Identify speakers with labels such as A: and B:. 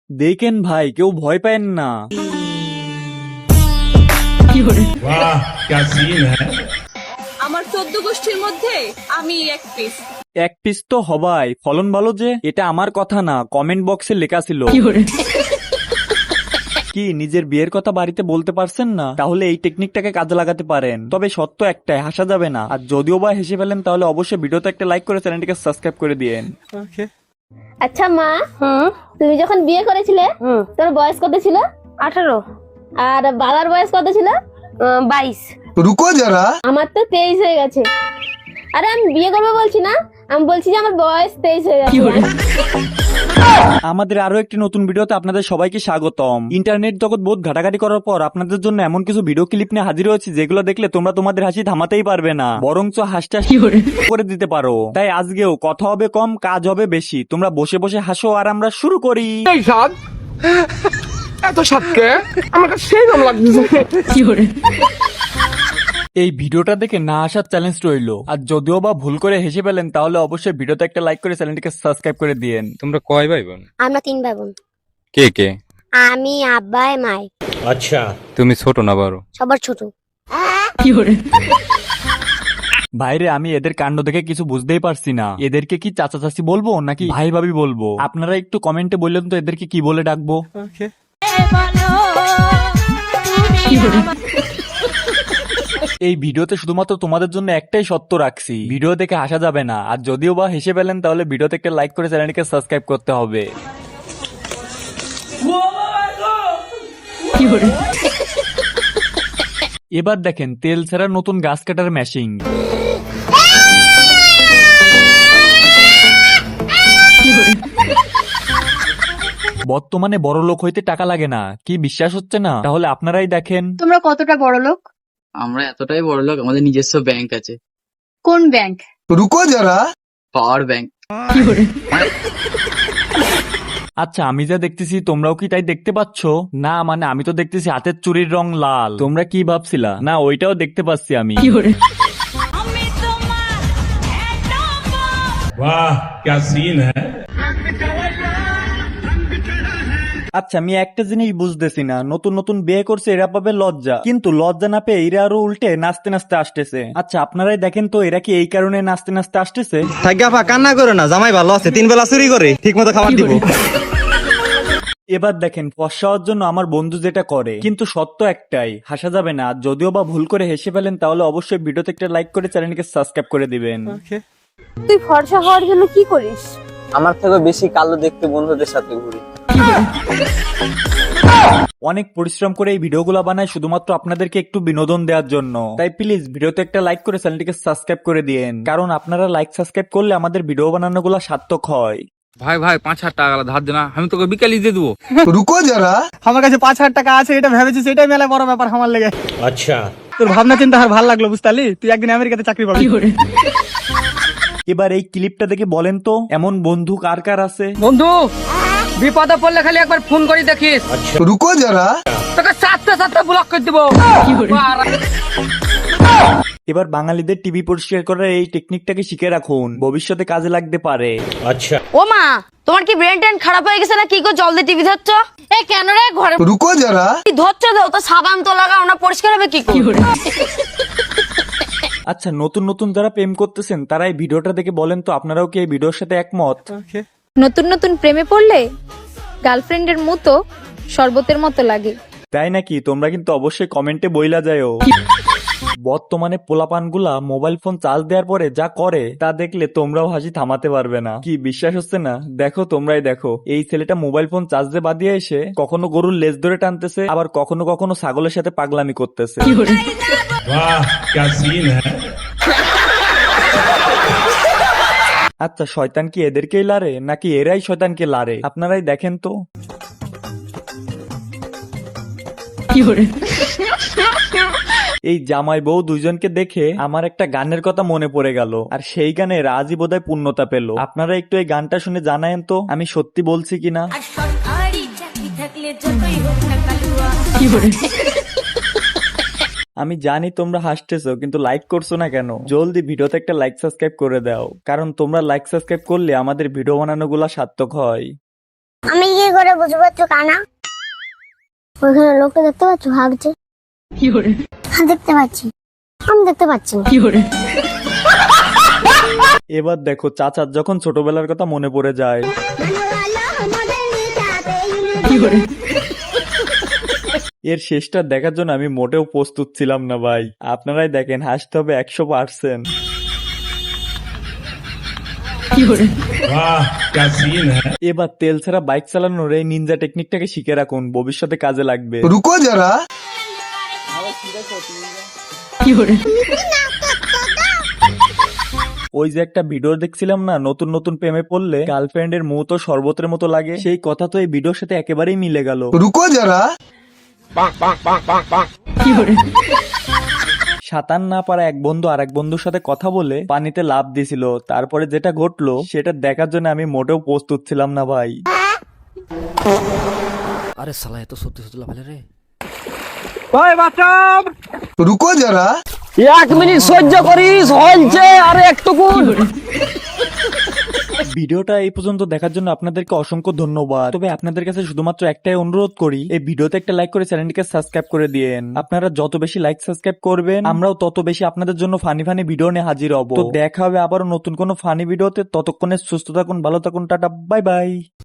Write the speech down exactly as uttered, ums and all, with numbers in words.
A: দেখেন ভাই, কেউ ভয় পায়েন না।
B: वाह क्या सीन है।
C: আমার চোদ্দ গোষ্ঠীর মধ্যে আমি এক পিস।
A: এক পিস তো হবাই, ফলন ভালো যে। এটা আমার কথা না, কমেন্ট বক্সে লেখা ছিল। কি নিজের বিয়ের কথা বাড়িতে বলতে পারছেন না? তাহলে এই টেকনিকটাকে কাজে লাগাতে পারেন। তবে সত্য একটাই, হাসা যাবে না। আর যদিও বা হেসে ফেলেন তাহলে অবশ্যই ভিডিওতে একটা লাইক করে চ্যানেলটিকে সাবস্ক্রাইব করে দিয়েন।
D: আচ্ছা মা, তুমি যখন বিয়ে করেছিলে তোর বয়স কত ছিল?
E: আঠারো।
D: আর বাবার বয়স কত ছিল?
E: বাইশ।
F: रुको जरा।
D: আমার তো তেইশ হয়ে গেছে। আরে আমি বিয়ে করবো বলছি না, আমি বলছি যে আমার বয়স তেইশ হয়ে গেছে।
A: আমাদের আরো একটি নতুন ভিডিওতে আপনাদের সবাইকে স্বাগতম। ইন্টারনেট জগৎ বহুত ঘাটাঘাটি করার পর আপনাদের জন্য এমন কিছু ভিডিও ক্লিপ নিয়ে হাজির হয়েছি যেগুলো দেখলে তোমরা তোমাদের হাসি থামাতেই পারবে না, বরঞ্চ হাসতে হাসতে করে দিতে পারো। তাই আজকেও কথা হবে কম, কাজ হবে বেশি। তোমরা বসে বসে হাসো আর আমরা শুরু করি।
G: এই স্বাদ, এত স্বাদকে আমার কাছে সেই রকম লাগতেছে।
A: এই ভিডিওটা দেখে না আসার চ্যালেঞ্জ রইলো। আর যদিও বা ভুল করে হেসে ফেলেন তাহলে অবশ্যই ভিডিওতে একটা লাইক করে চ্যানেলটিকে সাবস্ক্রাইব করে দিয়েন।
H: তোমরা কয় ভাই বোন?
D: আমরা তিন ভাই বোন।
H: কে কে?
D: আমি, আব্বাই, মাই।
B: अच्छा
H: তুমি ছোট না বড়?
D: সবার ছোট।
A: ভাইরে, আমি এদের কাণ্ড দেখে কিছু বুঝতেই পারছি না। এদেরকে কি চাচা চাচি বলবো নাকি ভাই ভাবি বলবো? আপনারা একটু কমেন্টে বললেন তো এদেরকে কি বলে ডাকবো। এই ভিডিওতে শুধুমাত্র তোমাদের জন্য একটাই সত্য রাখছি, ভিডিও দেখে হাসা যাবে না। আর যদিও বা হেসে ফেলেন তাহলে ভিডিওতে একটা লাইক করে চ্যানেলটিকে সাবস্ক্রাইব করতে হবে। এবার দেখেন তেল ছাড়া নতুন গাছ কাটার মেশিন। বর্তমানে বড় লোক হইতে টাকা লাগে না, কি বিশ্বাস হচ্ছে না? তাহলে আপনারাই দেখেন।
E: তোমরা কতটা বড় লোক?
I: আমরা এতটাই বড় লোক, আমাদের নিজস্ব ব্যাংক আছে।
E: কোন ব্যাংক?
F: रुको जरा।
I: Power bank.
A: আচ্ছা, আমি যা দেখতেছি তোমরাও কি তাই দেখতে পাচ্ছ? না মানে আমি তো দেখতেছি হাতের চুরির রং লাল। তোমরা কি ভাবছিলা? না ওইটাও দেখতে পাচ্ছি আমি।
B: वाह क्या सीन है।
A: আচ্ছা, আমি একটা জিনিস বুঝতেছি না, নতুন নতুন বিয়ে করছে এরা পাবে লজ্জা, কিন্তু লজ্জা না পেয়ে এরা আরো উল্টে নাচতে নাচতে আসতেছে। আচ্ছা আপনারাই দেখেন তো এরা কি এই কারণে নাচতে নাচতে আসতেছে?
J: থাকা কান্না করো না, জামাই ভালো আছে, তিন বেলা চুরি করে ঠিক মতো খাবার দিব।
A: এবার দেখেন ফর্সা হওয়ার জন্য আমার বন্ধু যেটা করে, কিন্তু সত্য একটাই, হাসা যাবে না। যদিও বা ভুল করে হেসে ফেলেন তাহলে অবশ্যই ভিডিওতে একটা লাইক করে চ্যানেলকে সাবস্ক্রাইব করে দিবেন।
E: তুই ফর্সা হওয়ার জন্য কি করিস?
I: আমার থেকে বেশি কালো দেখতে বন্ধুদের সাথে ঘুরি।
A: অনেক পরিশ্রম করে এই ভিডিওগুলো বানায় শুধুমাত্র আপনাদেরকে একটু বিনোদন দেওয়ার জন্য। তাই প্লিজ ভিডিওতে একটা লাইক করে চ্যানেলটিকে সাবস্ক্রাইব করে দিয়েন, কারণ আপনারা লাইক সাবস্ক্রাইব করলে আমাদের ভিডিও বানানোগুলো সার্থক হয়।
H: ভাই ভাই পাঁচ হাজার টাকা ধার দেনা, আমি তোকে বিকালি দিয়ে দেবো।
F: रुको जरा।
J: আমার কাছে পাঁচ হাজার টাকা আছে, এটা ভেবেছি সেটাই মেলা বড় ব্যাপার আমার লেগে।
B: अच्छा
J: তোর ভাবনা চিন্তা আর ভালো লাগলো, বুঝতালি? তুই একদিন আমেরিকাতে চাকরি পাবি।
A: এবার এই ক্লিপটা দেখে বলেন তো এমন বন্ধু কার কার আছে?
G: বন্ধু বিপদে পড়লে খালি একবার ফোন করে দেখিস,
F: रुको जरा।
G: তোকে সাতটা সাতটা ব্লক করে দিব।
A: এবার বাঙালিদের টিভি পরিষ্কার করার এই টেকনিকটাকে শিখে রাখুন, ভবিষ্যতে কাজে লাগতে পারে।
B: अच्छा
E: ও মা, তোমার কি ব্রেন টেন খারাপ হয়ে গেছে না কি গো? জল দিয়ে টিভি ধরছ? এ কেন রে? ঘরে
F: रुको जरा।
E: ধরছ দাও তো, সাবান তো লাগাও না, পরিষ্কার হবে কি করে?
A: আচ্ছা, নতুন নতুন যারা প্রেম করতেছেন তারা এই ভিডিওটা দেখে বলেন তো আপনারাও কি এই ভিডিওর সাথে একমত?
K: নতুন নতুন প্রেমে পড়লে গার্লফ্রেন্ডের মতো শরবতের মতো লাগে।
A: তাই নাকি? তোমরা কিন্তু অবশ্যই কমেন্টে বইলা যাও। বর্তমানে পোলাপানগুলা মোবাইল ফোন চার্জ দেওয়ার পরে যা করে তা দেখলে তোমরাও হাসি থামাতে পারবে না। কি বিশ্বাস হচ্ছে না? দেখো, তোমরাই দেখো, এই ছেলেটা মোবাইল ফোন চার্জে বাদিয়ে এসে কখনো গরুর লেজ ধরে টানতেছে, আবার কখনো কখনো ছাগলের সাথে পাগলামি করতেছে।
B: वाह क्या सीन है।
A: আচ্ছা, শয়তান কি এদেরকেই লারে নাকি এরাই শয়তানকে লারে? আপনারাই দেখেন তো। এই জামাই বউ দুইজনকে দেখে আমার একটা গানের কথা মনে পড়ে গেল, আর সেই গানে রাজি বোধহয় পূর্ণতা পেল। আপনারা একটু এই গানটা শুনে জানায়েন তো আমি সত্যি বলছি কিনা। আমি জানি তোমরা হাসতেছো, কিন্তু লাইক করছো না কেন? জলদি ভিডিওতে একটা লাইক সাবস্ক্রাইব করে দাও, কারণ তোমরা লাইক সাবস্ক্রাইব করলে আমাদের ভিডিও বানানোগুলো সার্থক হয়।
D: আমি কি করে বুঝবো তুই কানা? ওইখানে লোকটা দেখতে পাচ্ছ ভাগছে? হ্যাঁ দেখতে পাচ্ছি, আমি দেখতে পাচ্ছি না।
A: এবার দেখো চাচার যখন ছোটবেলার কথা মনে পড়ে যায়। এর শেষটা দেখার জন্য আমি মোটেও প্রস্তুত ছিলাম না ভাই। আপনারাই দেখেন, হাসতে হবে একশো পার্সেন্ট।
B: वाह क्या सीन है।
A: এবার তেল ছাড়া বাইক চালানোর এই নিনজা টেকনিকটাকে শিখে রাখুন, ভবিষ্যতে কাজে লাগবে।
F: रुको जरा।
A: ওই যে একটা ভিডিও দেখছিলাম না, নতুন নতুন প্রেমে পড়লে গার্লফ্রেন্ডের মুখ তো শরবতের মতো লাগে, সেই কথা তো এই ভিডিওর সাথে একেবারেই মিলে গেল।
F: रुको जरा।
A: সাঁতার না পারা এক বন্ধু আর এক বন্ধুর সাথে কথা বলে পানিতে লাফ দিছিল, তারপরে যেটা ঘটলো সেটা দেখার জন্য আমি মোটেও প্রস্তুত ছিলাম না ভাই।
J: আরে শালা এত সত্যি সত্যি লাফালে রে।
G: ওই বাচ্চাও
F: रुको जरा।
G: এক মিনিট সহ্য করিস, হইছে আরে একটুকু।
A: ভিডিওটা এই পর্যন্ত দেখার জন্য আপনাদেরকে অসংখ্য ধন্যবাদ। তবে আপনাদের কাছে শুধুমাত্র একটাই অনুরোধ করি, এই ভিডিওতে একটা লাইক করে চ্যানেলটিকে সাবস্ক্রাইব করে দিয়েন। আপনারা যত বেশি লাইক সাবস্ক্রাইব করবেন, আমরাও তত বেশি আপনাদের জন্য ফানি ফানি ভিডিও নিয়ে হাজির হব। তো দেখা হবে আবারও নতুন কোনো ফানি ভিডিওতে। ততক্ষণে সুস্থ থাকুন, ভালো থাকুন, টাটা, বাই বাই।